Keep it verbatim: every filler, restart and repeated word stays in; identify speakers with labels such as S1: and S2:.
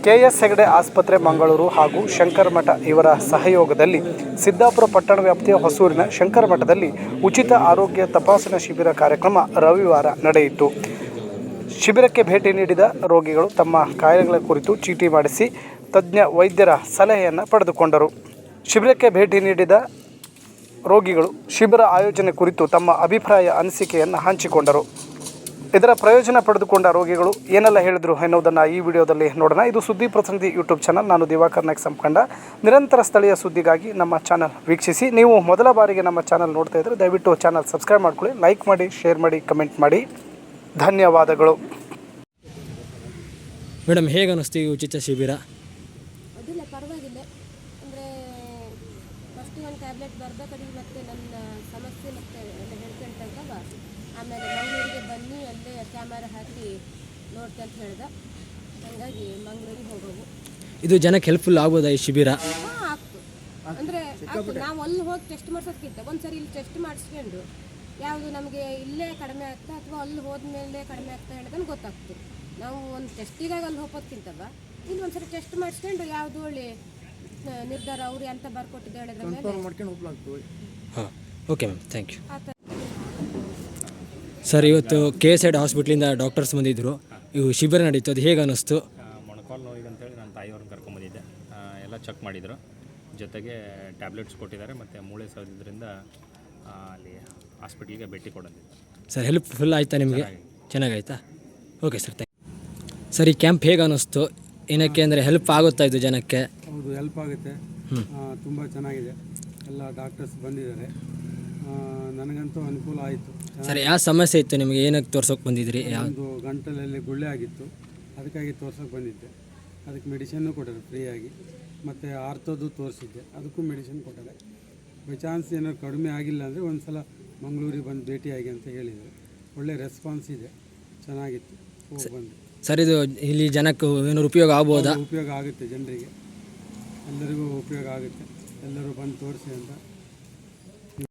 S1: K S Hegde ಆಸ್ಪತ್ರೆ ಮಂಗಳೂರು ಹಾಗೂ ಶಂಕರಮಠ ಇವರ ಸಹಯೋಗದಲ್ಲಿ ಸಿದ್ದಾಪುರ ಪಟ್ಟಣ ವ್ಯಾಪ್ತಿಯ ಹೊಸೂರಿನ ಶಂಕರಮಠದಲ್ಲಿ ಉಚಿತ ಆರೋಗ್ಯ ತಪಾಸಣಾ ಶಿಬಿರ ಕಾರ್ಯಕ್ರಮ ರವಿವಾರ ನಡೆಯಿತು. ಶಿಬಿರಕ್ಕೆ ಭೇಟಿ ನೀಡಿದ ರೋಗಿಗಳು ತಮ್ಮ ಕಾಯಿಲೆಗಳ ಕುರಿತು ಚೀಟಿ ಮಾಡಿಸಿ ತಜ್ಞ ವೈದ್ಯರ ಸಲಹೆಯನ್ನು ಪಡೆದುಕೊಂಡರು. ಶಿಬಿರಕ್ಕೆ ಭೇಟಿ ನೀಡಿದ ರೋಗಿಗಳು ಶಿಬಿರ ಆಯೋಜನೆ ಕುರಿತು ತಮ್ಮ ಅಭಿಪ್ರಾಯ ಅನಿಸಿಕೆಯನ್ನು ಹಂಚಿಕೊಂಡರು. ಇದರ ಪ್ರಯೋಜನ ಪಡೆದುಕೊಂಡ ರೋಗಿಗಳು ಏನೆಲ್ಲ ಹೇಳಿದರು ಎನ್ನುವುದನ್ನು ಈ ವಿಡಿಯೋದಲ್ಲಿ ನೋಡೋಣ. ಇದು ಸುದ್ದಿ ಪ್ರತಿನಿಧಿ ಯೂಟ್ಯೂಬ್ ಚಾನಲ್. ನಾನು ದಿವಾಕರ್ ನಾಯ್ಕ್ ಸಂಪಂಡ. ನಿರಂತರ ಸ್ಥಳೀಯ ಸುದ್ದಿಗಾಗಿ ನಮ್ಮ ಚಾನಲ್ ವೀಕ್ಷಿಸಿ. ನೀವು ಮೊದಲ ಬಾರಿಗೆ ನಮ್ಮ ಚಾನಲ್ ನೋಡ್ತಾ ಇದ್ದರೆ ದಯವಿಟ್ಟು ಚಾನಲ್ ಸಬ್ಸ್ಕ್ರೈಬ್ ಮಾಡ್ಕೊಳ್ಳಿ, ಲೈಕ್ ಮಾಡಿ, ಶೇರ್ ಮಾಡಿ, ಕಮೆಂಟ್ ಮಾಡಿ. ಧನ್ಯವಾದಗಳು.
S2: ಮೇಡಮ್, ಹೇಗೆ ಅನ್ನಿಸ್ತು ಈ ಉಚಿತ ಶಿಬಿರ?
S3: ಅದಿಲ್ಲ, ಪರವಾಗಿಲ್ಲ. ಅಂದರೆ ಫಸ್ಟ್ ಒಂದು ಟ್ಯಾಬ್ಲೆಟ್ ಬರಬೇಕಾದ್ರೆ ಮತ್ತೆ ನನ್ನ ಸಮಸ್ಯೆ ಮತ್ತೆ ಎಲ್ಲ ಹೇಳ್ಕೊಂತಂತವ. ಆಮೇಲೆ ಮಂಗಳೂರಿಗೆ ಬನ್ನಿ, ಅಲ್ಲೇ ಕ್ಯಾಮರಾ ಹಾಕಿ ನೋಡ್ತೆ ಅಂತ ಹೇಳ್ದೆ. ಹಾಗಾಗಿ ಮಂಗಳೂರಿಗೆ ಹೋಗೋದು.
S2: ಇದು ಜನಕ್ಕೆ ಹೆಲ್ಪ್ಫುಲ್ ಆಗ್ಬೋದಾ ಈ ಶಿಬಿರ?
S3: ಹಾಂ, ಆಗ್ತು. ಅಂದರೆ ನಾವು ಅಲ್ಲಿ ಹೋಗಿ ಟೆಸ್ಟ್ ಮಾಡಿಸೋದಕ್ಕಿಂತ ಒಂದು ಸರಿ ಇಲ್ಲಿ ಟೆಸ್ಟ್ ಮಾಡಿಸ್ಕೊಂಡು ಯಾವುದು ನಮಗೆ ಇಲ್ಲೇ ಕಡಿಮೆ ಆಗ್ತಾ ಅಥವಾ ಅಲ್ಲಿ ಹೋದ್ಮೇಲೆ ಕಡಿಮೆ ಆಗ್ತಾ ಹೇಳೋದನ್ನು ಗೊತ್ತಾಗ್ತದೆ. ನಾವು ಒಂದು ಟೆಸ್ಟಿಗಾಗಿ ಅಲ್ಲಿ ಹೋಗೋದಕ್ಕಿಂತವ ಇಲ್ಲಿ ಒಂದು ಸರಿ ಟೆಸ್ಟ್ ಮಾಡಿಸ್ಕೊಂಡು ಯಾವುದು ಒಳ್ಳೆ ನಿರ್ಧಾರ ಅವರು ಅಂತ ಬರ್ಕೊಟ್ಟಿದ್ದು ಹೇಳಿದ್ರೆ ಮೇಲೆ.
S2: ಹಾಂ, okay ma'am, thank you. Sir, ಇವತ್ತು ಕೆ ಎಸ್ ಐಡ್ ಹಾಸ್ಪಿಟ್ಲಿಂದ ಡಾಕ್ಟರ್ಸ್ ಬಂದಿದ್ದರು. ಇವು ಶಿಬಿರ ನಡೀತು, ಅದು ಹೇಗೆ ಅನ್ನಿಸ್ತು?
S4: ಮೊಣಕಾಲು ನೋವಿಗೆ ಅಂತೇಳಿ ನನ್ನ ತಾಯಿಯವ್ರನ್ನ ಕರ್ಕೊಂಬಂದಿದ್ದೆ. ಎಲ್ಲ ಚೆಕ್ ಮಾಡಿದರು, ಜೊತೆಗೆ ಟ್ಯಾಬ್ಲೆಟ್ಸ್ ಕೊಟ್ಟಿದ್ದಾರೆ ಮತ್ತು ಮೂಳೆ ಸೌದಿದ್ದರಿಂದ ಅಲ್ಲಿ ಹಾಸ್ಪಿಟ್ಲಿಗೆ ಭೇಟಿ ಕೊಡೋದಿಲ್ಲ.
S2: ಸರ್, ಹೆಲ್ಪ್ಫುಲ್ ಆಯಿತಾ ನಿಮಗೆ? ಚೆನ್ನಾಗಾಯ್ತಾ? Okay sir, thank you. Sir, ಈ ಕ್ಯಾಂಪ್ ಹೇಗೆ ಅನ್ನಿಸ್ತು? ಏನಕ್ಕೆ ಅಂದರೆ ಹೆಲ್ಪ್ ಆಗುತ್ತಾ ಇದು ಜನಕ್ಕೆ?
S5: ಹೌದು, ಹೆಲ್ಪ್ ಆಗುತ್ತೆ. ತುಂಬ ಚೆನ್ನಾಗಿದೆ. ಎಲ್ಲ ಡಾಕ್ಟರ್ಸ್ ಬಂದಿದ್ದಾರೆ. ನನಗಂತೂ ಅನುಕೂಲ ಆಯಿತು.
S2: ಸರ್, ಯಾವ ಸಮಸ್ಯೆ ಇತ್ತು ನಿಮಗೆ? ಏನಕ್ಕೆ ತೋರ್ಸೋಕೆ ಬಂದಿದ್ರಿ?
S5: ಒಂದು ಗಂಟಲಲ್ಲಿ ಗುಳ್ಳೆ ಆಗಿತ್ತು, ಅದಕ್ಕಾಗಿ ತೋರ್ಸೋಕೆ ಬಂದಿದ್ದೆ. ಅದಕ್ಕೆ ಮೆಡಿಷನ್ನು ಕೊಟ್ಟರೆ ಫ್ರೀಯಾಗಿ. ಮತ್ತು ಆರ್ತೋದು ತೋರಿಸಿದ್ದೆ, ಅದಕ್ಕೂ ಮೆಡಿಷನ್ ಕೊಟ್ಟರೆ. ಬೈ ಚಾನ್ಸ್ ಏನಾದ್ರು ಕಡಿಮೆ ಆಗಿಲ್ಲ ಅಂದರೆ ಒಂದು ಸಲ ಮಂಗಳೂರಿಗೆ ಬಂದು ಭೇಟಿಯಾಗಿ ಅಂತ ಹೇಳಿದರು. ಒಳ್ಳೆ ರೆಸ್ಪಾನ್ಸ್ ಇದೆ, ಚೆನ್ನಾಗಿತ್ತು. ಹೋಗಿ ಬಂದು
S2: ಸರ್, ಇದು ಇಲ್ಲಿ ಜನಕ್ಕೆ ಏನಾದ್ರು ಉಪಯೋಗ ಆಗ್ಬೋದಾ?
S5: ಉಪಯೋಗ ಆಗುತ್ತೆ, ಜನರಿಗೆ ಎಲ್ಲರಿಗೂ ಉಪಯೋಗ ಆಗುತ್ತೆ. ಎಲ್ಲರೂ ಬಂದು ತೋರಿಸಿ ಅಂತ